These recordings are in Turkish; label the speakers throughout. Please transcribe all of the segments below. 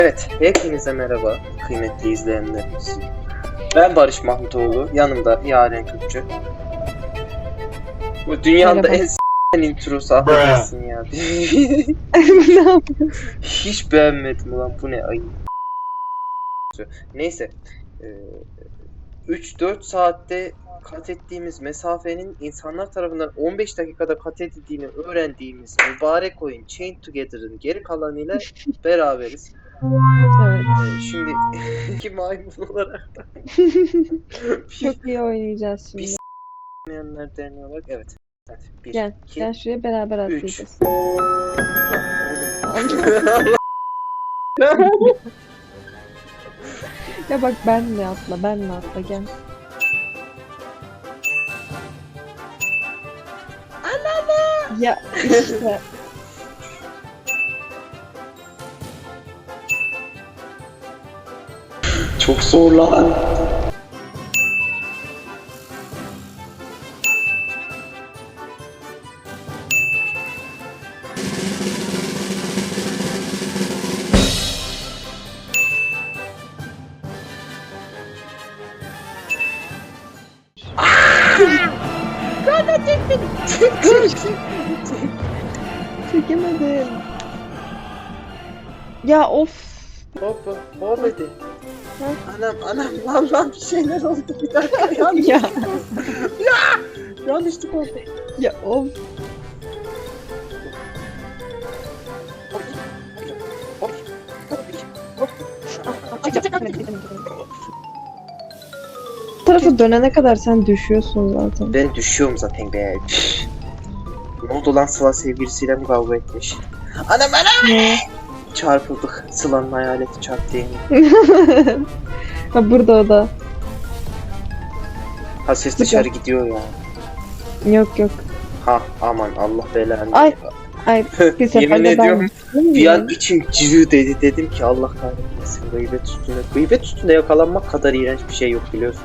Speaker 1: Evet, hepinize merhaba kıymetli izleyenlerimiz. Ben Barış Mahmutoğlu, yanımda Yaren Kürkçü. Bu dünyada
Speaker 2: Merhaba.
Speaker 1: en introsu affedersin ya.
Speaker 2: Ne yapıyorsun?
Speaker 1: Hiç beğenmedim ulan, bu ne ayı. Neyse, 3-4 saatte kat ettiğimiz mesafenin insanlar tarafından 15 dakikada kat edildiğini öğrendiğimiz mübarek oyun Chained Together'ın geri kalanıyla beraberiz.
Speaker 2: Evet.
Speaker 1: Şimdi iki maymun olarak
Speaker 2: Çok iyi oynayacağız
Speaker 1: bir
Speaker 2: şimdi.
Speaker 1: s**mayanlar derneği olarak evet. Hadi 1,
Speaker 2: Gel.
Speaker 1: 2,
Speaker 2: Gel şuraya beraber
Speaker 1: 3.
Speaker 2: atlayacağız. Ya bak benle atla. Benle atla gel. Ya işte.
Speaker 1: Çok zor lan.
Speaker 2: Çekemedim. Ya of.
Speaker 1: Hoppa, olmadı.
Speaker 2: Ha?
Speaker 1: Anam, bir şeyler oldu, bir dakika,
Speaker 2: Ya.
Speaker 1: yanlışlık oldu.
Speaker 2: Ya of. Bu tarafa dönene kadar sen düşüyorsun zaten.
Speaker 1: Ben düşüyorum zaten be. Ne oldu lan, Sıla sevgilisiyle mi kavga etmiş? Anam!
Speaker 2: Ne?
Speaker 1: Çarpıldık. Sıla'nın hayaleti çarptı yemin.
Speaker 2: Ha burada o da.
Speaker 1: Ha, ses dışarı gidiyor ya.
Speaker 2: Yok yok.
Speaker 1: Ha aman, Allah belanı.
Speaker 2: Ay. Ay bir
Speaker 1: Yemin
Speaker 2: seferde
Speaker 1: ediyorum,
Speaker 2: ben.
Speaker 1: bir an içim cıvı dedi, dedim ki Allah kahretmesin, gıybet üstüne. Gıybet üstüne yakalanmak kadar iğrenç bir şey yok, biliyorsun.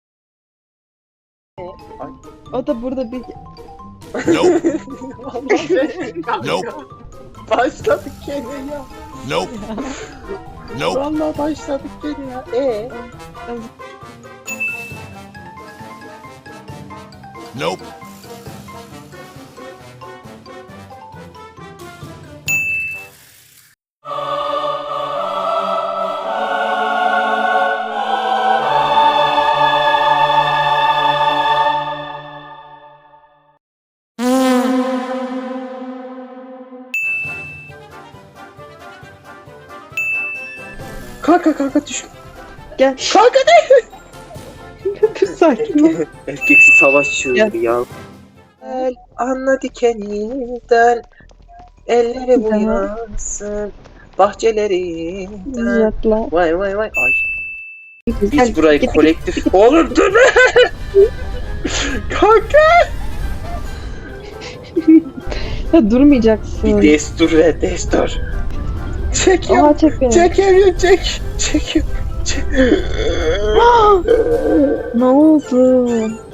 Speaker 2: O da burada bir...
Speaker 3: Nope.
Speaker 1: Allah belanı.
Speaker 3: Nope.
Speaker 1: Başladık gene ya.
Speaker 3: Nope. Nope.
Speaker 1: Vallahi başladık gene ya.
Speaker 3: Nope.
Speaker 1: Kanka düş.
Speaker 2: Gel.
Speaker 1: Kanka ne?
Speaker 2: Bir sakin ol.
Speaker 1: Erkek savaş çığlığı ya. Anla dikeninden, elleri bu
Speaker 2: Tamam.
Speaker 1: yansın bahçelerinden.
Speaker 2: Uzatla.
Speaker 1: Vay. Ay. Biz
Speaker 2: Gel,
Speaker 1: burayı
Speaker 2: git,
Speaker 1: kolektif... Oğlum dur be! Kanka!
Speaker 2: Ya durmayacaksın.
Speaker 1: Bir destur ve destur. Çekiyorum.
Speaker 2: Aha çek beni.
Speaker 1: Çekiyorum.
Speaker 2: Ne oldu?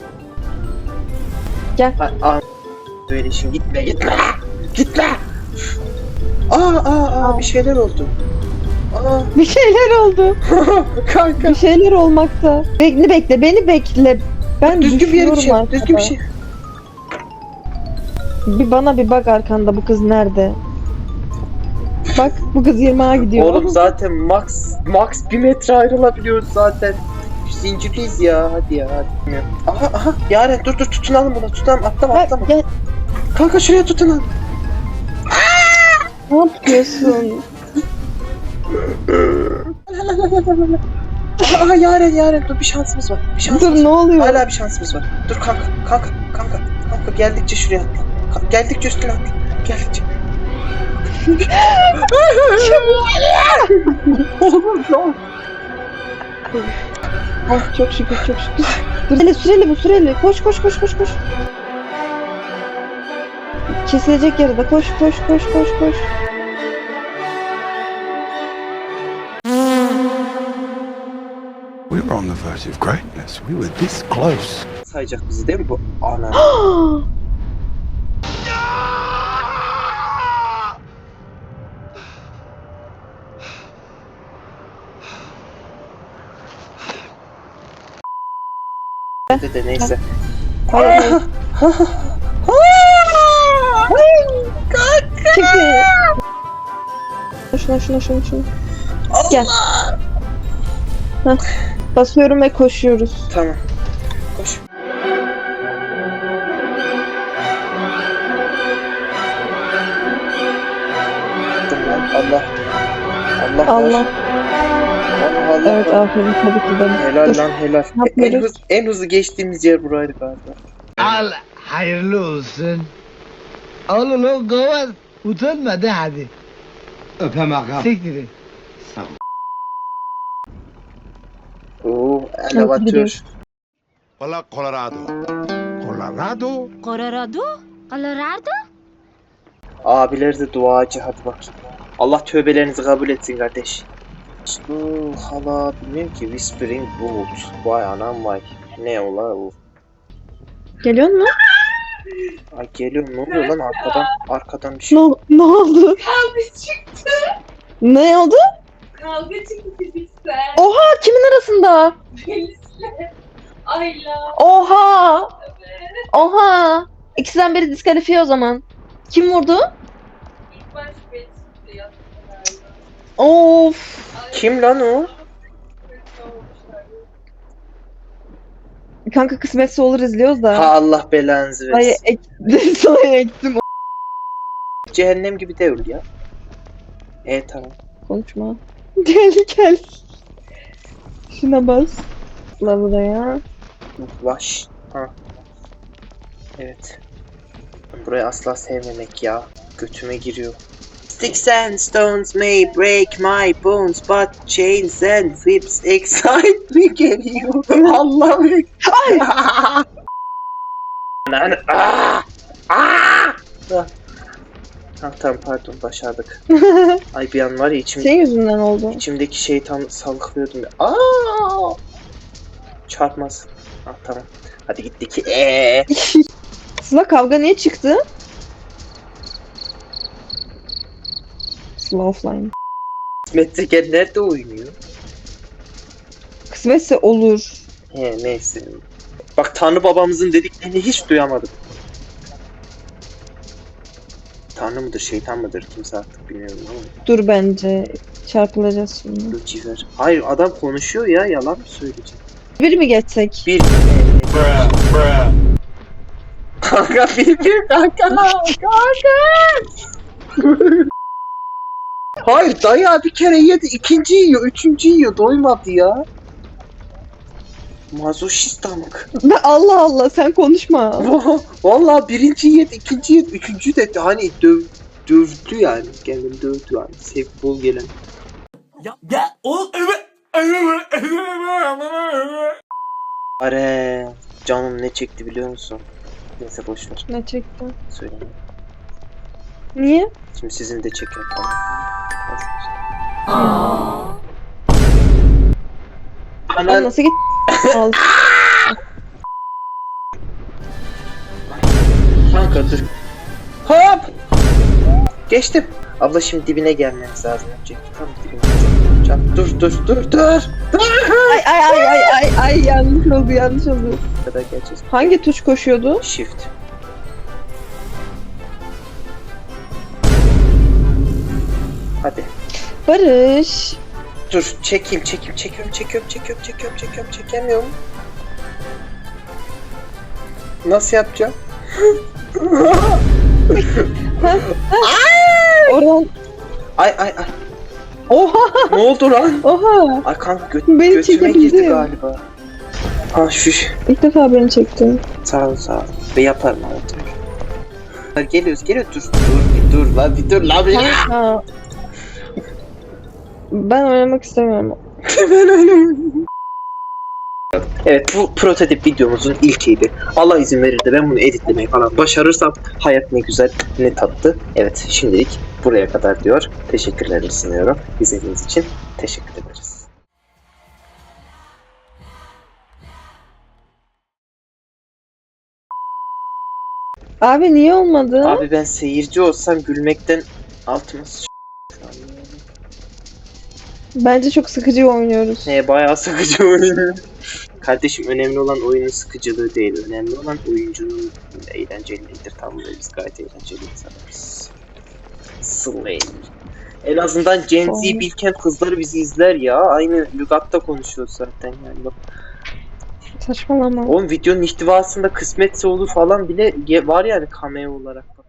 Speaker 2: Gel.
Speaker 1: Böyle şimdi gitme. Gitme. Aa, bir şeyler oldu. Aa,
Speaker 2: Bir şeyler oldu.
Speaker 1: kanka.
Speaker 2: Bir şeyler olmakta. Beni bekle. Ben
Speaker 1: Düzgün bir yere
Speaker 2: düşüyorum
Speaker 1: gideceğim. Düzgün bir şey.
Speaker 2: Bir bana bir bak arkanda, bu kız nerede? Bak bu kız 20'a gidiyor.
Speaker 1: Oğlum zaten max 1 metre ayrılabiliyoruz zaten. Zincirliyiz ya, hadi ya. Aha, Yaren dur tutunalım buna, atlama.
Speaker 2: Bak, gel.
Speaker 1: Kanka şuraya tutunalım.
Speaker 2: Ne yapıyorsun?
Speaker 1: Aha Yaren dur, bir şansımız var.
Speaker 2: Dur ne oluyor?
Speaker 1: Hala bir şansımız var. Dur kanka, geldikçe şuraya atla. Geldikçe üstüne atla. Geldikçe.
Speaker 2: Ah, çok şükür. Dur süreli. Koş. Kesilecek yarıda koş.
Speaker 3: We were on the verge of greatness. We were this close.
Speaker 1: Sayacak bizi değil mi bu? Ana. de neyse.
Speaker 2: Hayır. Çıkın. Şuna. Gel. Heh. Basıyorum ve koşuyoruz.
Speaker 1: Tamam. Koş. Allah. Allah.
Speaker 2: Allah.
Speaker 1: Allah.
Speaker 2: Evet aferin tabii ki de.
Speaker 1: Helal
Speaker 2: Dur.
Speaker 1: lan helal.
Speaker 2: Ne yapıyoruz?
Speaker 1: En hızlı geçtiğimiz yer buraydı galiba.
Speaker 4: Al hayırlı olsun. Al ulan kavat. Utanma de hadi.
Speaker 5: Öpem ağam.
Speaker 4: Siktir.
Speaker 1: Oo, elevatör.
Speaker 3: Hola, Colorado. Colorado?
Speaker 6: Colorado?
Speaker 1: Abiler de duacı, hadi bakayım. Allah tövbelerinizi kabul etsin kardeş. Hala bilmiyorum ki Whispering Wood. Vay anam vay. Ne ola o?
Speaker 2: Geliyor mu?
Speaker 1: Ay geliyorum, ne oluyor lan arkadan bir şey.
Speaker 2: Ne oldu?
Speaker 7: Kavga çıktı.
Speaker 2: Ne oldu?
Speaker 7: Kavga çıktı fizikten.
Speaker 2: Oha kimin arasında?
Speaker 7: Melis'le. Ayla.
Speaker 2: Oha!
Speaker 7: Evet.
Speaker 2: Oha! İkisinden biri diskalifiye o zaman. Kim vurdu?
Speaker 7: İlk baş Melis çıktı yattı galiba.
Speaker 2: Of!
Speaker 7: Ay,
Speaker 1: Kim lan o?
Speaker 7: kötü olmuşlar.
Speaker 2: Kanka kısmetse olur izliyoruz da.
Speaker 1: Ha Allah belanızı
Speaker 2: Ay
Speaker 1: versin.
Speaker 2: sana ektim.
Speaker 1: Cehennem gibi değil ya. Tamam.
Speaker 2: Konuşma. Gel. Şuna bas. La buraya.
Speaker 1: Ulaş. Ha. Evet. Burayı asla sevmemek ya. Götüme giriyor. Sticks and stones may break my bones, but chains and whips excite me geliyor. Allah'ım. Lan. Tamam pardon başardık. Ay bir an var ya
Speaker 2: Senin yüzünden oldu.
Speaker 1: içimdeki şeytan salgılıyordum ya. Çarpmaz. Tamam. Hadi gittik.
Speaker 2: Sıla kavga niye çıktı? Sıla offline.
Speaker 1: Metreken nerede oynuyor?
Speaker 2: Kısmetse olur.
Speaker 1: Neyse. Bak Tanrı babamızın dediklerini hiç duyamadım. Tanrı mıdır, şeytan mıdır kimse artık bilmiyorum ama.
Speaker 2: Dur bence. Çarpılacağız şimdi.
Speaker 1: Lucifer. Hayır adam konuşuyor ya, yalan mı söyleyecek?
Speaker 2: Bir mi geçsek?
Speaker 1: Bir. Kanka bir kanka. Hayır dayağı bir kere yedi, ikinci yiyor, üçüncü yiyor, doymadı ya. Mazoşist amık.
Speaker 2: Allah Allah sen konuşma.
Speaker 1: Vallahi birinci yedi, ikinci yedi, üçüncü de hani dövdü yani. Kendini dövdü yani. Sevgi bol gelen. Are canım ne çekti biliyor musun? Neyse boşver.
Speaker 2: Ne çekti?
Speaker 1: Söyleyeyim.
Speaker 2: Niye?
Speaker 1: Şimdi sizin de çekin.
Speaker 2: Ben
Speaker 1: Ana
Speaker 2: nasıl git? Al.
Speaker 1: kanka dur. Hop! Geçtim. Abla şimdi dibine gelmemiz lazım önce. Tam dibine. Can dur.
Speaker 2: Ay yanlış oldu.
Speaker 1: Kadar geleceğiz.
Speaker 2: Hangi tuş koşuyordu?
Speaker 1: Shift. Hadi.
Speaker 2: Barış.
Speaker 1: Dur çekeyim. Çekemiyorum. Nasıl yapacağım?
Speaker 2: Orhan.
Speaker 1: Ay.
Speaker 2: Oha.
Speaker 1: Ne oldu lan?
Speaker 2: Oha.
Speaker 1: Ay kanka
Speaker 2: Beni
Speaker 1: götüme
Speaker 2: çekebildi.
Speaker 1: girdi galiba. Ha şu.
Speaker 2: İlk defa beni çekti.
Speaker 1: Sağ ol. Ve yaparım abi. Geliyoruz. Dur lan bir.
Speaker 2: Ha. Ben oynamak istemiyorum.
Speaker 1: Evet bu prototip videomuzun ilkiydi. Allah izin verir de ben bunu editlemeyi falan başarırsam hayat ne güzel ne tatlı. Evet şimdilik buraya kadar diyor. Teşekkürlerimi sunuyorum. İzlediğiniz için teşekkür ederiz.
Speaker 2: Abi niye olmadı?
Speaker 1: Abi ben seyirci olsam gülmekten altıma
Speaker 2: Bence çok sıkıcı oynuyoruz.
Speaker 1: bayağı sıkıcı oyun. Kardeşim önemli olan oyunun sıkıcılığı değil. Önemli olan oyuncunun eğlenceliliğidir. Tamam mı? Biz gayet eğlenceli insanlarız. Slay. En azından Gen Z Bilkent kızları bizi izler ya. Aynı lügatta konuşuyor zaten yani. Bak.
Speaker 2: Saçmalama.
Speaker 1: Oğlum videonun ihtivasında kısmetse olur falan bile var yani cameo olarak.